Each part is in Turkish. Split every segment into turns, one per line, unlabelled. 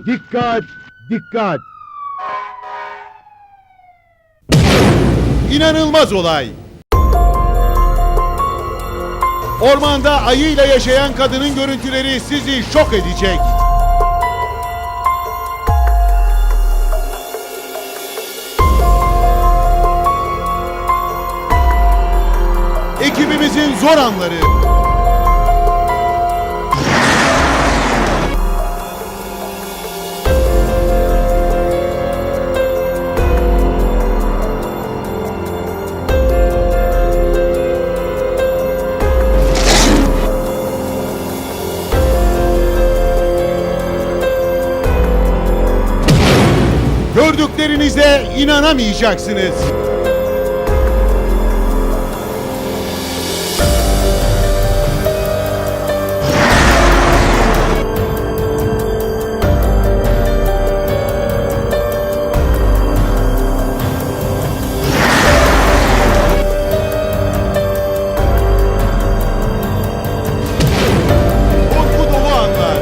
Dikkat! Dikkat! İnanılmaz olay! Ormanda ayıyla yaşayan kadının görüntüleri sizi şok edecek. Ekibimizin zor anları. Gördüklerinize inanamayacaksınız. Korku dolu anlar.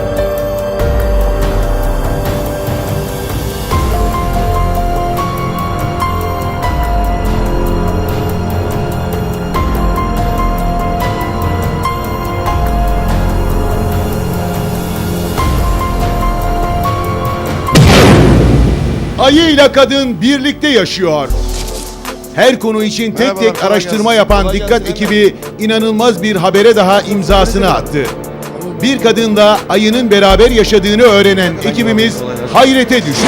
Ayıyla kadın birlikte yaşıyor. Her konu için tek
Merhabalar,
tek
kolay
araştırma
gelsin.
yapan
Kolay
Dikkat
gelsin.
ekibi inanılmaz bir habere daha imzasını attı. Bir kadınla ayının beraber yaşadığını öğrenen ekibimiz hayrete düştü.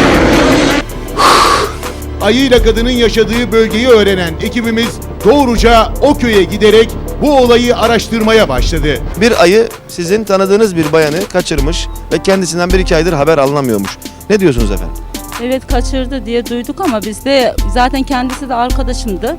Ayıyla kadının yaşadığı bölgeyi öğrenen ekibimiz doğruca o köye giderek bu olayı araştırmaya başladı.
Bir ayı sizin tanıdığınız bir bayanı kaçırmış ve kendisinden 1-2 aydır haber alınamıyormuş. Ne diyorsunuz efendim?
Evet kaçırdı diye duyduk ama biz de zaten kendisi de arkadaşımdı.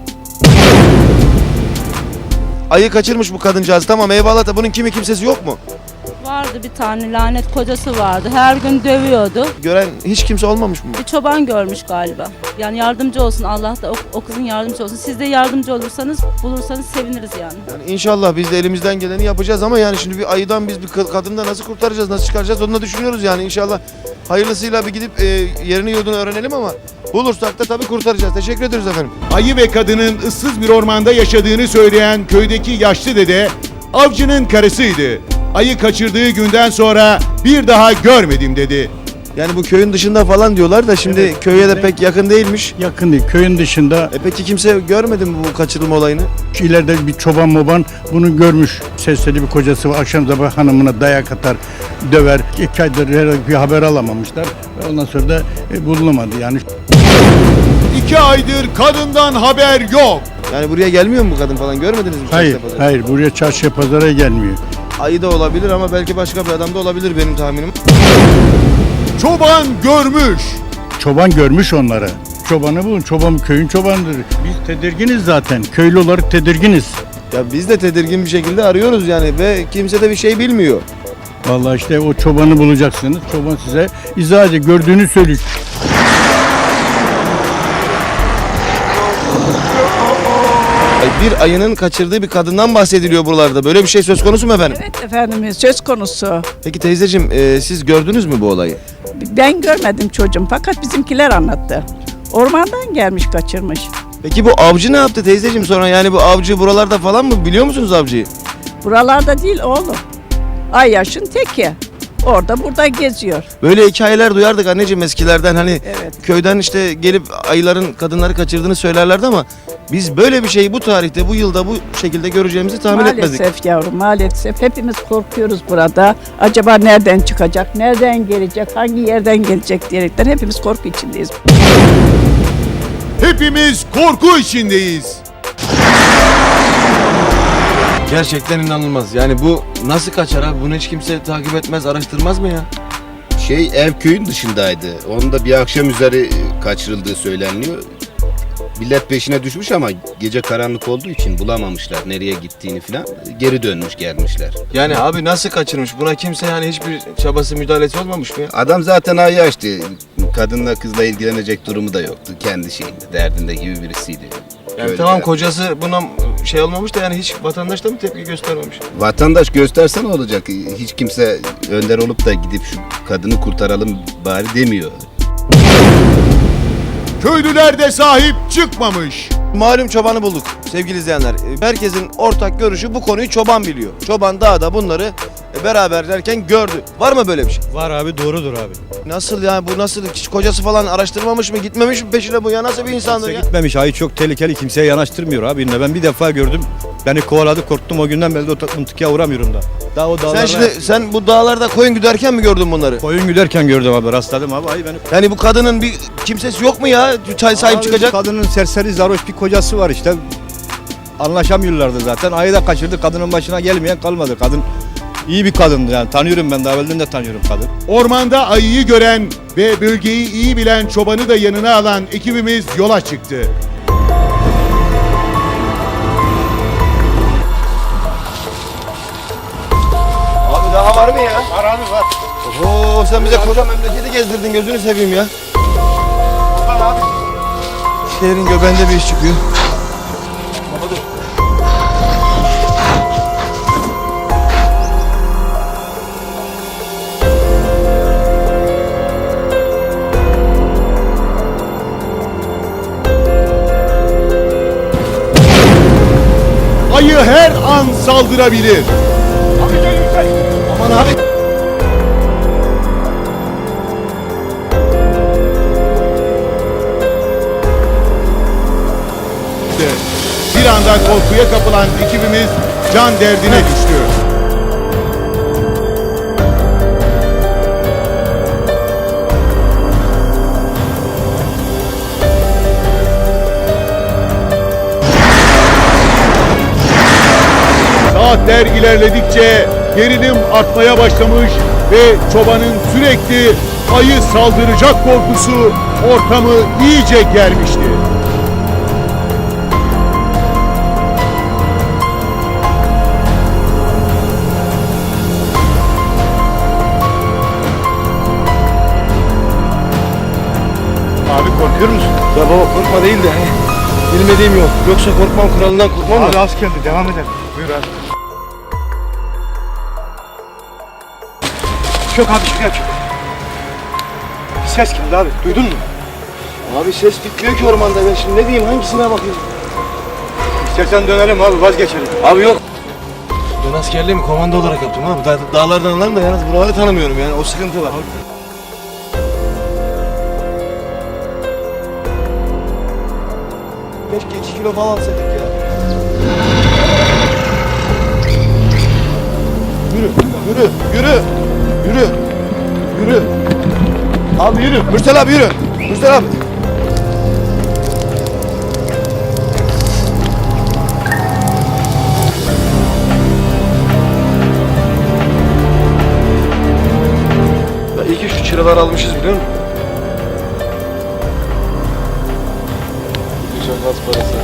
Ayı kaçırmış bu kadıncağız, tamam eyvallah da bunun kimi kimsesi yok mu?
Vardı bir tane lanet kocası vardı. Her gün dövüyordu.
Gören hiç kimse olmamış mı?
Bir çoban görmüş galiba. Yani yardımcı olsun Allah da o kızın yardımcı olsun. Siz de yardımcı olursanız bulursanız seviniriz yani.
Yani İnşallah biz de elimizden geleni yapacağız ama yani şimdi bir ayıdan biz bir kadını nasıl kurtaracağız, nasıl çıkaracağız onu da düşünüyoruz yani inşallah. Hayırlısıyla bir gidip yerini yurdunu öğrenelim ama bulursak da tabii kurtaracağız. Teşekkür ederiz efendim.
Ayı ve kadının ıssız bir ormanda yaşadığını söyleyen köydeki yaşlı dede avcının karısıydı. Ayı kaçırdığı günden sonra bir daha görmedim dedi.
Yani bu köyün dışında falan diyorlar da şimdi
Evet,
köye de
evet.
pek yakın değilmiş.
Yakın değil. Köyün dışında
Peki kimse görmedi mi bu kaçırılma olayını?
ileride bir çoban moban bunu görmüş. Sesleri bir kocası var. Akşam sabah hanımına dayak atar, döver. 2 aydır herhangi bir haber alamamışlar. Ve ondan sonra da bulunamadı yani.
2 aydır kadından haber yok.
Yani buraya gelmiyor mu bu kadın falan, görmediniz mi?
Hayır,
Çarşıda pazarda?
hayır. Buraya çarşıya pazara gelmiyor.
Ayı da olabilir ama belki başka bir adam da olabilir benim tahminim.
Çoban görmüş.
Çoban görmüş onları. Çobanı bu. Çoban köyün çobanıdır. Biz tedirginiz zaten. Köylü olarak tedirginiz.
Ya biz de tedirgin bir şekilde arıyoruz yani ve kimse de bir şey bilmiyor.
Vallahi işte o çobanı bulacaksınız. Çoban size izah edecek. Gördüğünü söyleyecek.
Bir ayının kaçırdığı bir kadından bahsediliyor buralarda. Böyle bir şey söz konusu mu efendim?
Evet efendim söz konusu.
Peki teyzeciğim siz gördünüz mü bu olayı?
Ben görmedim çocuğum fakat bizimkiler anlattı. Ormandan gelmiş kaçırmış.
Peki bu avcı ne yaptı teyzeciğim sonra, yani bu avcı buralarda falan mı, biliyor musunuz avcıyı?
Buralarda değil oğlum. Ay yaşın teki. Orada burada geziyor.
Böyle hikayeler duyardık anneciğim eskilerden, hani
Evet.
köyden işte gelip ayıların kadınları kaçırdığını söylerlerdi ama biz böyle bir şeyi bu tarihte, bu yılda bu şekilde göreceğimizi tahmin etmezdik.
Maalesef yavrum maalesef. Hepimiz korkuyoruz burada. Acaba nereden çıkacak, nereden gelecek, hangi yerden gelecek diyerekten hepimiz korku içindeyiz.
Hepimiz korku içindeyiz.
Gerçekten inanılmaz. Yani bu nasıl kaçar abi? Bunu hiç kimse takip etmez, araştırmaz mı ya?
Ev köyün dışındaydı. Onun da bir akşam üzeri kaçırıldığı söyleniyor. Millet peşine düşmüş ama gece karanlık olduğu için bulamamışlar nereye gittiğini falan. Geri dönmüş gelmişler.
Yani abi nasıl kaçırmış? Buna kimse yani hiçbir çabası, müdahalesi olmamış mı ya?
Adam zaten ayı açtı. Kadınla kızla ilgilenecek durumu da yoktu. Kendi şeyinde, derdinde gibi birisiydi.
Yani
Köylü
tamam
taraf.
kocası buna şey olmamış da yani hiç vatandaş da mı tepki göstermemiş?
Vatandaş gösterse ne olacak? Hiç kimse önder olup da gidip şu kadını kurtaralım bari demiyor.
Köylüler de sahip çıkmamış.
Malum çobanı bulduk sevgili izleyenler. Herkesin ortak görüşü bu konuyu çoban biliyor. Çoban dağda bunları beraber derken gördü. Var mı böyle bir şey?
Var abi, doğrudur abi.
Nasıl yani bu nasıl? Hiç kocası falan araştırmamış mı? Gitmemiş mi peşine bu ya? Nasıl bir insandır
Kimse
ya?
gitmemiş, ayı çok tehlikeli, kimseye yanaştırmıyor abi. Ben bir defa gördüm, beni kovaladı, korktum, o günden beri de o mıntıkaya uğramıyorum da. Daha o dağlarda
Sen bu dağlarda koyun güderken mi gördün bunları?
koyun güderken gördüm abi, rastladım abi, ayı beni.
Yani bu kadının bir kimsesi yok mu ya? Çay sahip
Abi,
çıkacak.
kadının serseri zaroş bir kocası var işte. Anlaşamıyorlardı zaten, ayı da kaçırdı, kadının başına gelmeyen kalmadı. Kadın iyi bir kadındı yani, tanıyorum ben, daha evvelden de tanıyorum kadın.
Ormanda ayıyı gören ve bölgeyi iyi bilen çobanı da yanına alan ekibimiz yola çıktı.
Abi daha var mı ya? Var abi var. Oo sen bize koca memleketi gezdirdin gözünü seveyim ya. Var abi. Şehrin göbeğinde bir iş çıkıyor. Baba dur.
Ayı her an saldırabilir.
Aman abi.
Bir anda korkuya kapılan ekibimiz can derdine düştü. Saatler ilerledikçe gerilim artmaya başlamış ve çobanın sürekli ayı saldıracak korkusu ortamı iyice germişti.
Abi korkuyor musun? Ya baba korkma değil de hani bilmediğim yok. Yoksa korkmam kralından korkmam
Abi
da.
az geldi, devam edelim. Buyur abi.
Çok abi şuraya çok. Bir ses geldi abi duydun mu? Abi ses bitmiyor ki ormanda ben şimdi ne diyeyim hangisine bakayım?
İstersen dönelim abi, vazgeçelim.
Abi yok. Ben askerliğimi komando olarak yaptım abi. Dağlardan alalım da yalnız buraları tanımıyorum yani o sıkıntı var. Keşke 2 kilo falan alsaydık ya. Yürü, yürü, yürü, yürü, yürü. Abi yürü, Mürsel abi yürü. Mürsel abi. Ya iyi ki şu çıraları almışız biliyor musun? Güzel gaz parası.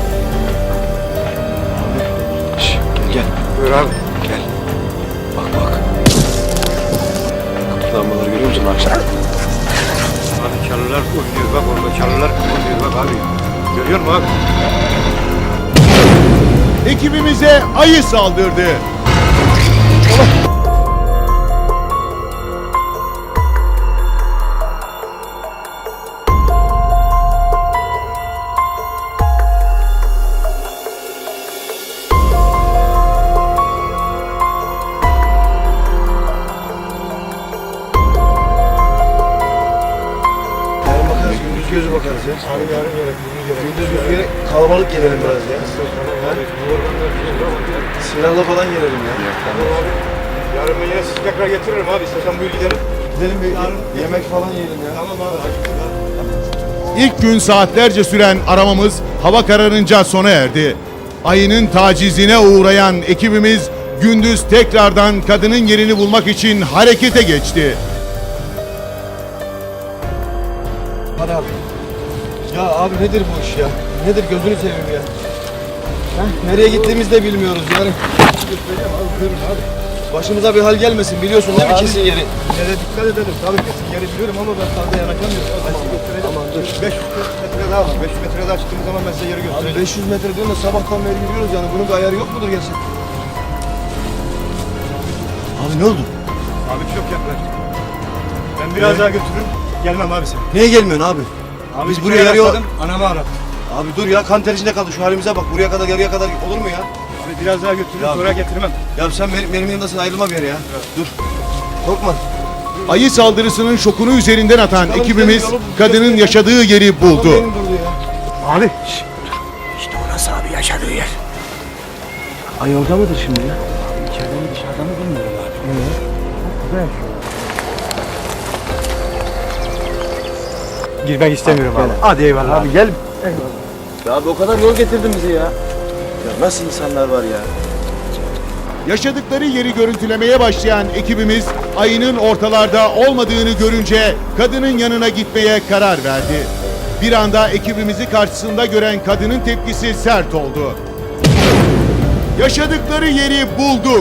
Abi. Şş, gel. Buyur abi. Gel. Bak bak. Kapılanmaları görüyor musun akşam?
Abi çalılar oynuyor bak, orada çalılar oynuyor bak abi. Görüyor musun abi?
Ekibimize ayı saldırdı.
Yarın bakarız, gündüz gözü bakarız ya. Gündüz gözü kalabalık gelelim biraz ya. Ha? Silahla falan gelelim ya.
Yarın ben yine sizi tekrar getiririm abi, istersen buyur gidelim.
Gidelim bir yemek falan yiyelim ya.
Tamam abi.
İlk gün saatlerce süren aramamız hava kararınca sona erdi. Ayının tacizine uğrayan ekibimiz gündüz tekrardan kadının yerini bulmak için harekete geçti.
Hadi abi. Ya abi nedir bu iş ya? Nedir gözünü seveyim ya? Heh, nereye gittiğimizi de bilmiyoruz yani. Göstereceğim abi buyurun abi. Başımıza bir hal gelmesin biliyorsun değil mi
Abi.
kesin yeri?
Yere dikkat edelim. Tabii kesin geri biliyorum ama ben fazla yanaşamıyorum. Ben sizi göstereceğim.
Aman dur.
500 metre daha var. 500 metre daha çıktığımız zaman ben size yeri
Abi
göstereceğim.
500 metre diyorsun da sabahtan beri gidiyoruz yani bunun bir ayarı yok mudur gerçekten? Abi ne oldu?
Abi çok yaklaştık. Ben biraz daha götürürüm. Gelmem abi sen.
Niye gelmiyorsun abi?
Abi
Biz
bir
buraya
kere
yarıyor.
rastladım, anamı aradım.
Abi dur ya kan ter içinde kaldı şu halimize bak buraya kadar yarıya kadar olur mu ya?
Abi biraz daha götürürüm
Ya-
sonra getirmem.
Ya sen benim yanımdasın ayrılma bir yere ya. Dur. Korkma.
Ayı saldırısının şokunu üzerinden atan
Çıkalım,
ekibimiz
gidelim, yolu
kadının
gösterelim.
yaşadığı yeri buldu.
Benim durdu ya.
Abi.
İşte orası abi yaşadığı yer.
Ay orada mıdır şimdi ya?
İçeride mi dışarıda mı bilmiyorum abi.
Girmek istemiyorum abi. Hadi eyvallah abi.
gel. Ya abi o kadar yol getirdin bizi ya. Ya nasıl insanlar var ya?
Yaşadıkları yeri görüntülemeye başlayan ekibimiz ayının ortalarda olmadığını görünce kadının yanına gitmeye karar verdi. Bir anda ekibimizi karşısında gören kadının tepkisi sert oldu. Yaşadıkları yeri bulduk.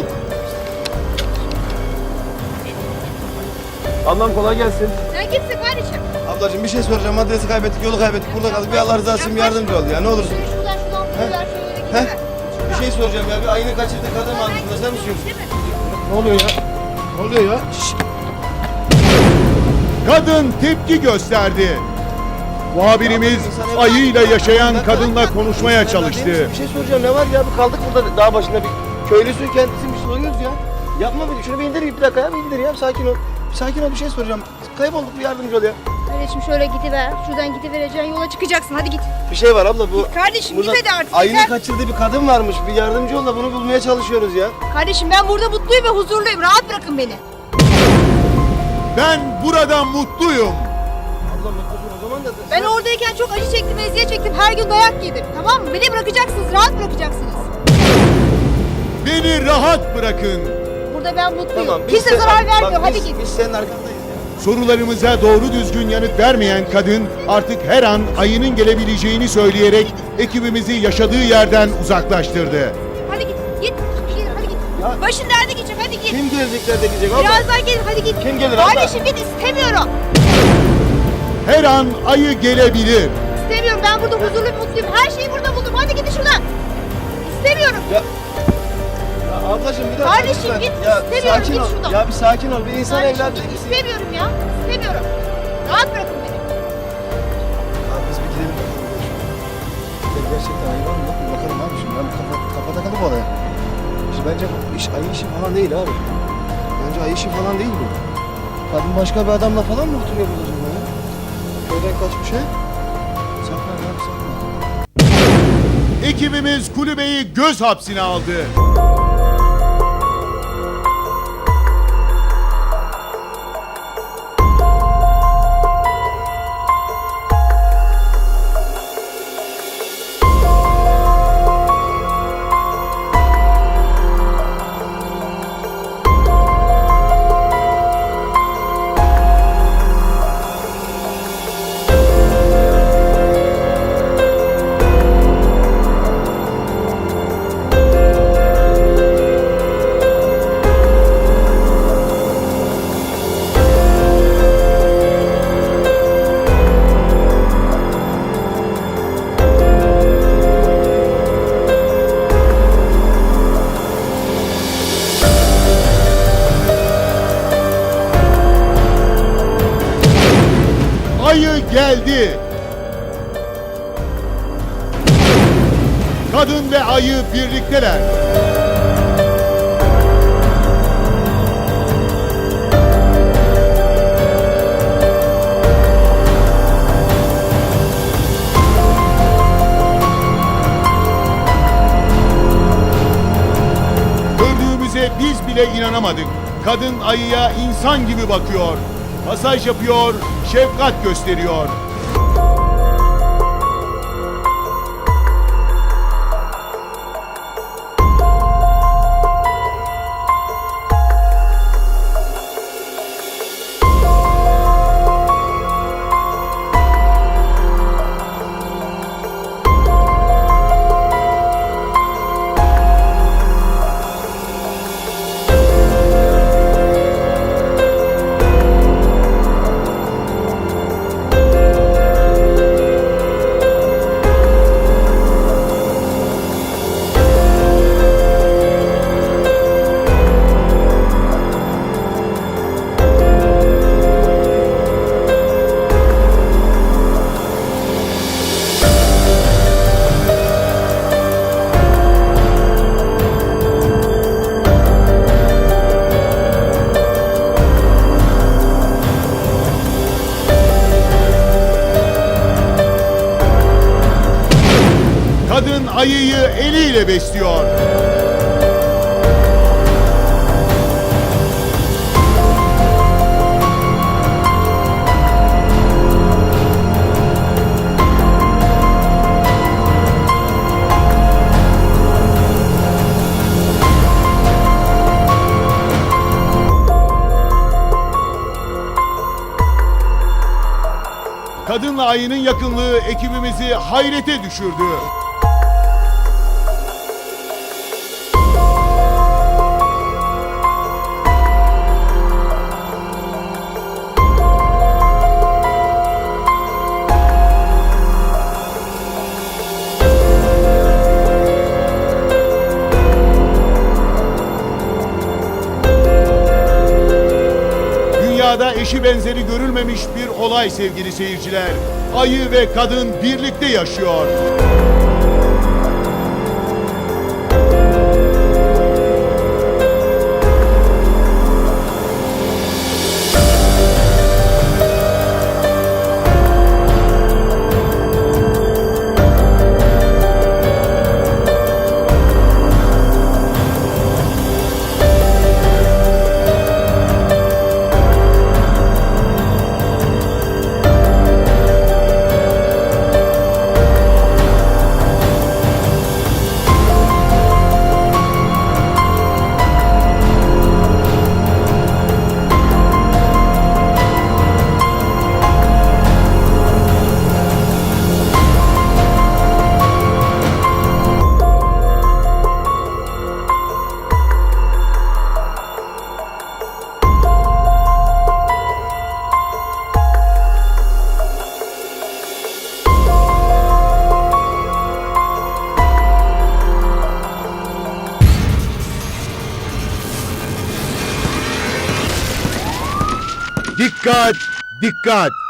Ablam kolay gelsin.
Sen kimsin kardeşim?
Ablacığım bir şey soracağım. Adresi kaybettik, yolu kaybettik. Burada kaldık. Bir Allah rızası için bir yardımcı ol ya. Ne olursun.
Şuradan bir ver şöyle
He?
gidelim.
Bir şey soracağım ya. Bir ayını kaçırdık. Kadın varmış burada. Sen misin? Ne oluyor ya? Ne oluyor ya?
Kadın tepki gösterdi. Muhabirimiz ayıyla yaşayan kadınla konuşmaya çalıştı.
Bir şey soracağım. Ne var ya? Bir kaldık burada dağ başında bir köylüsün kendisi bir soruyoruz ya. Yapma bir şunu bir indir bir dakika ya. Bir indir ya. Bir sakin ol. Bir sakin ol bir şey soracağım. Kaybolduk bir yardımcı ol ya.
Kardeşim şöyle gidiver. Şuradan gidivereceksin. Yola çıkacaksın. Hadi git.
Bir şey var abla bu.
Kardeşim
Burada
git hadi artık.
ayını
yeter.
kaçırdığı bir kadın varmış. Bir yardımcı ol da bunu bulmaya çalışıyoruz ya.
Kardeşim ben burada mutluyum ve huzurluyum. Rahat bırakın beni.
Ben burada mutluyum.
Abla mutlusun o zaman da.
Ben oradayken çok acı çektim, eziyet çektim. Her gün dayak yedim. Tamam mı? Beni bırakacaksınız. Rahat bırakacaksınız.
Beni rahat bırakın.
Burada ben mutluyum.
Tamam. biz
Kimse
de-
zarar
bak,
vermiyor. Hadi git.
Biz senin arkandayız ya.
Sorularımıza doğru düzgün yanıt vermeyen kadın artık her an ayının gelebileceğini söyleyerek ekibimizi yaşadığı yerden uzaklaştırdı.
Hadi git. Git. Hadi git.
Ya-
Başın derde geçecek. Hadi git.
Kim gelecekler de gidecek abla?
Birazdan gelin. Hadi git.
Kim gelir abla?
Kardeşim git. İstemiyorum.
Her an ayı gelebilir.
İstemiyorum. Ben burada huzurlu mutluyum. Her şeyi burada buldum. Hadi gidin şuradan. İstemiyorum.
Ya ablacığım bir dakika.
Kardeşim
lütfen.
git,
Ya
istemiyorum,
sakin
git
ol.
şuradan.
Ya bir sakin ol. Bir insan
Kardeşim
evladı.
git. İstemiyorum ya. İstemiyorum. Rahat bırakın beni.
Abi biz bir gidelim. Ya gerçekten hayvan mı? Bir bakalım abi şimdi. Ben kafa takalım olaya. Şimdi bence bu iş ayı işi falan değil abi. Bence ayı işi falan değil bu. Kadın başka bir adamla falan mı oturuyor burada acaba ya? Köyden kaçmış ha? Saklan abi saklan.
Ekibimiz kulübeyi göz hapsine aldı. Ayı geldi. Kadın ve ayı birlikteler. Gördüğümüze biz bile inanamadık. Kadın ayıya insan gibi bakıyor. Masaj yapıyor, şefkat gösteriyor. ayıyı eliyle besliyor. Kadınla ayının yakınlığı ekibimizi hayrete düşürdü. Dünyada eşi benzeri görülmemiş bir olay sevgili seyirciler. Ayı ve kadın birlikte yaşıyor. Dikkat! Dikkat!